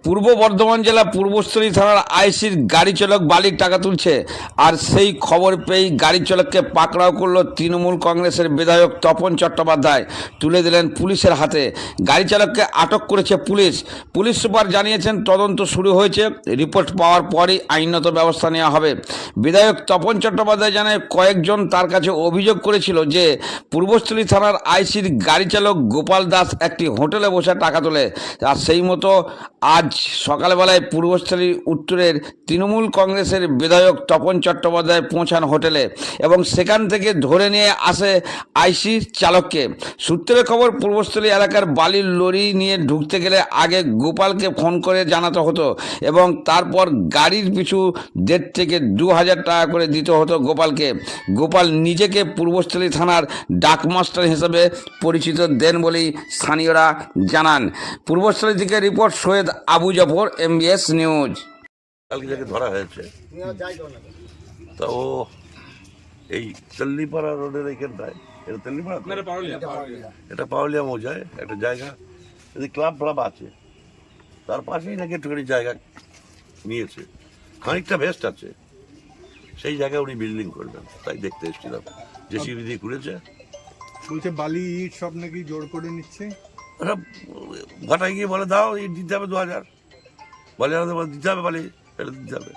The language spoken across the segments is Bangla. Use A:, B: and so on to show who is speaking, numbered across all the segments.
A: পূর্ব বর্ধমান জেলা পূর্বস্থলী থানার আইসির গাড়ি চালক বালির টাকা তুলছে, আর সেই খবর পেয়েই গাড়ি চালককে পাকড়াও করল তৃণমূল কংগ্রেসের বিধায়ক তপন চট্টোপাধ্যায়। তুলে দিলেন পুলিশের হাতে। গাড়ি চালককে আটক করেছে পুলিশ। পুলিশ সুপার জানিয়েছেন তদন্ত শুরু হয়েছে, রিপোর্ট পাওয়ার পরই আইনত ব্যবস্থা নেওয়া হবে। বিধায়ক তপন চট্টোপাধ্যায় জানায় কয়েকজন তার কাছে অভিযোগ করেছিল যে পূর্বস্থলী থানার আইসির গাড়ি চালক গোপাল দাস একটি হোটেলে বসে টাকা তোলে, আর সেই মতো আজ সকালবেলায় পূর্বস্থলী উত্তরের তৃণমূল কংগ্রেসের বিধায়ক তপন চট্টোপাধ্যায় পৌঁছান হোটেলে এবং সেখান থেকে ধরে নিয়ে আসে আইসির চালককে। সূত্রের খবর, পূর্বস্থলী এলাকার বালির লরি নিয়ে ঢুকতে গেলে আগে গোপালকে ফোন করে জানাতে হতো এবং তারপর গাড়ির পিছু 1.5 থেকে 2,000 টাকা করে দিতে হতো গোপালকে। গোপাল নিজেকে পূর্বস্থলী থানার ডাকমাস্টার হিসেবে পরিচিত দেন বলেই স্থানীয়রা জানান। পূর্বস্থলী থেকে report Syed Abu Jafar, MBS news.
B: কালকে যাকে ধরা হয়েছে তা ও এই তেল্লিপাড়া রোডের এইখানটায়, এটা তেল্লিপাড়া তো? এটা পাউলিয়া মৌজায় একটা জায়গা, যদি ক্লাব ফ্লাব আছে তার পাশেই নাকি একটুখানি জায়গা নিয়েছে, খানিকটা ভেস্ট আছে, সেই জায়গায় উনি বিল্ডিং করবেন, তাই দেখতে এসেছিলাম। জেসিবি দিয়ে ঘুরেছে,
C: বলছে বালি ইট সব নাকি জোর করে নিচ্ছে।
B: ওরা ঘটায় গিয়ে বলে দাও ইট দিতে হবে 2,000, বলে দিতে হবে, বালি এটা দিতে হবে।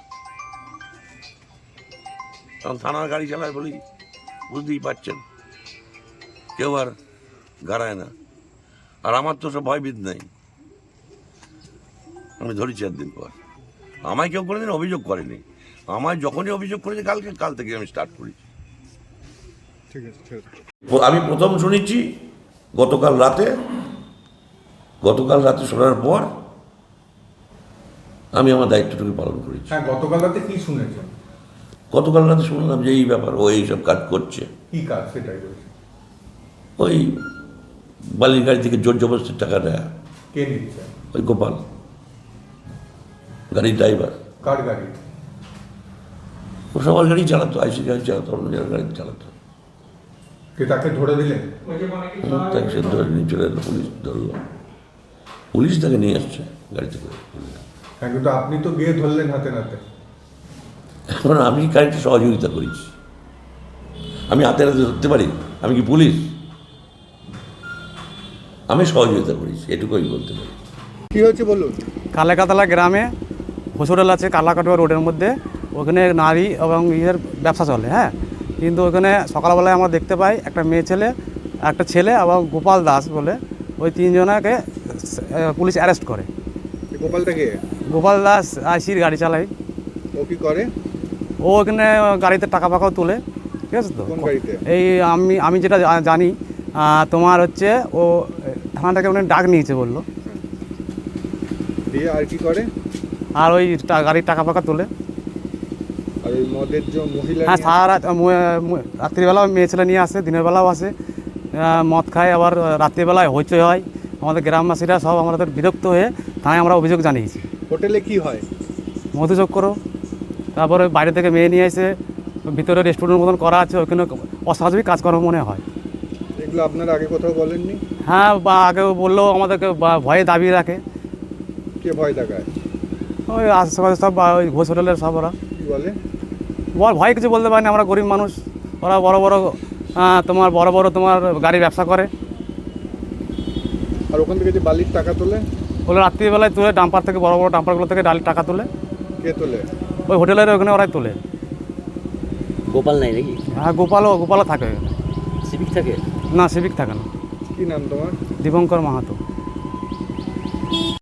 B: কারণ থানার গাড়ি চালায় বলি বুঝতেই পারছেন, কেউ আর গাড়ায় না। আর আমার তো সব ভয়বিদ নাই, আমি ধরেছি 1 দিন পর। আমায় কেউ কোনোদিন অভিযোগ করেনি, আমায় যখনই অভিযোগ করেছে কাল থেকে আমি স্টার্ট করেছি।
C: ঠিক আছে, ঠিক আছে।
B: আমি প্রথম শুনেছি গতকাল রাতে শোনার পর আমি আমার দায়িত্বটুকু পালন করেছি।
C: হ্যাঁ, গতকাল রাতে কি শুনেছেন?
B: গতকাল রাতে শুনলাম যে এই ব্যাপার, ও এইসব কাজ করছে।
C: কি কাজ সেটাই বলছি।
B: ওই বালির গাড়ি থেকে জোর জবরদস্তির টাকা নেয়।
C: কে নিচ্ছে?
B: ওই গোপাল, গাড়ির ড্রাইভার।
C: কার গাড়ি?
B: ও সবার গাড়ি চালাতো, আইসি গাড়ি চালাতো, অন্য জনের গাড়ি চালাতো।
C: কে তাকে ধরে দিলেন?
B: তাকে সে ধরে নিয়ে চলে এলো, পুলিশ ধরলো, পুলিশ তাকে নিয়ে আসছে গাড়িতে করে।
C: হ্যাঁ, কিন্তু আপনি তো গিয়ে ধরলেন হাতে নাতে।
B: এখন আমি গাড়িতে সহযোগিতা করেছি, আমি হাতে হাতে ধরতে পারি? আমি কি পুলিশ? আমি সহযোগিতা করেছি, এটুকুই বলতে পারি।
C: কি হয়েছে বলুন।
D: কালাকাতলা গ্রামে হোটেল আছে, কালাকাটোয়া রোডের মধ্যে। ওখানে নারী এবং ইয়ের ব্যবসা চলে। হ্যাঁ, কিন্তু ওখানে সকালবেলায় আমরা দেখতে পাই একটা ছেলে এবং গোপাল দাস বলে ওই 3 জনাকে পুলিশ অ্যারেস্ট করে।
C: গোপালটা কে?
D: গোপাল দাস আইসির গাড়ি চালায়।
C: ও কি করে?
D: ও ওখানে গাড়িতে টাকা ফাঁকাও তোলে। ঠিক আছে তো?
C: কোন গাড়িতে?
D: এই আমি যেটা জানি, তোমার হচ্ছে ও থানাটাকে ওখানে ডাক নিয়েছে বললো।
C: দিয়ে আর কি করে?
D: আর ওই গাড়ির টাকা ফাঁকা তোলে।
C: আর ওই মদের যে মহিলা?
D: হ্যাঁ, সারা রাত রাত্রিবেলাও মেয়ে ছেলে নিয়ে আসে, দিনের বেলাও আসে, মদ খায়, আবার রাত্রিবেলায় হইচই হয়। আমাদের গ্রামবাসীরা সব আমাদের বিরক্ত হয়ে থানায় আমরা অভিযোগ জানিয়েছি।
C: হোটেলে কি হয়?
D: মধুযোগ করো, তারপরে বাইরে থেকে মেয়ে নিয়ে এসে ভিতরে রেস্টুরেন্টের মতন করা আছে, ওইখানে অস্বাভাবিক কাজকর্ম মনে হয়।
C: এগুলো আপনারা আগে কোথাও বলেননি?
D: হ্যাঁ, বা আগে বললেও আমাদেরকে ভয়ে দাবি রাখে।
C: কে ভয় দেখায়?
D: ওই আশেপাশে সব, ওই ঘোষ হোটেলের সব ওরা
C: কি বলে?
D: ভয় কিছু বলতে পারে না, আমরা গরিব মানুষ। ওরা বড় বড় তোমার গাড়ি ব্যবসা করে।
C: আর ওখান থেকে যে বালির টাকা তোলে?
D: ওগুলো রাত্রিবেলায় তুলে ডাম্পার থেকে, বড় বড় ডাম্পারগুলো থেকে টাকা তোলে।
C: কে তোলে?
D: ওই হোটেলের ওখানে ওরাই তোলে।
E: গোপাল নাই নাকি?
D: হ্যাঁ, গোপালও থাকে ওখানে।
E: সিভিক থাকে
D: না, সিভিক থাকে না।
C: কি নাম তোমার?
D: দীপঙ্কর মাহাতো।